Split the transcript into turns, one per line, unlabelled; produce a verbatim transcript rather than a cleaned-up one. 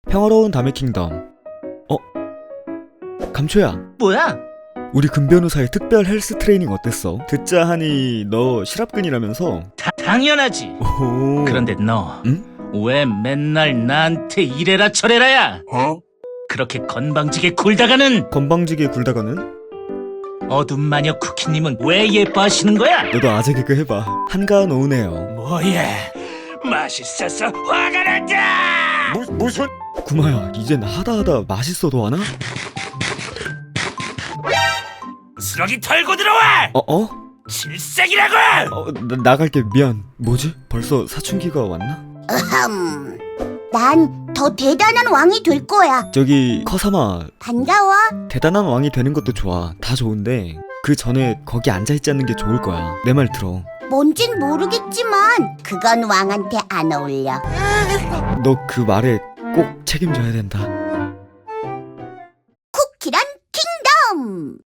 평화로운 담의 킹덤. 어? 감초야,
뭐야?
우리 금 변호사의 특별 헬스 트레이닝 어땠어? 듣자 하니 너 실업근이라면서?
다, 당연하지.
오.
그런데 너 왜
응?
맨날 나한테 이래라 저래라야?
어?
그렇게 건방지게 굴다가는
건방지게 굴다가는?
어둠 마녀 쿠키님은 왜 예뻐하시는 거야?
너도 아재 개그 해봐. 한가한 오후네요.
뭐야? 맛있어서 화가 난다!
무, 무슨
구마야, 이젠 하다 하다 맛있어도 하나?
쓰러기 털고 들어와!
어? 어?
질색이라고!
어, 나, 나갈게. 미안. 뭐지? 벌써 사춘기가 왔나?
음, 난 더 대단한 왕이 될 거야.
저기 커사마,
반가워.
대단한 왕이 되는 것도 좋아. 다 좋은데 그 전에 거기 앉아있지 않는 게 좋을 거야. 내 말 들어.
뭔진 모르겠지만 그건 왕한테 안 어울려.
너 그 말에 꼭 책임져야 된다.
쿠키란 킹덤.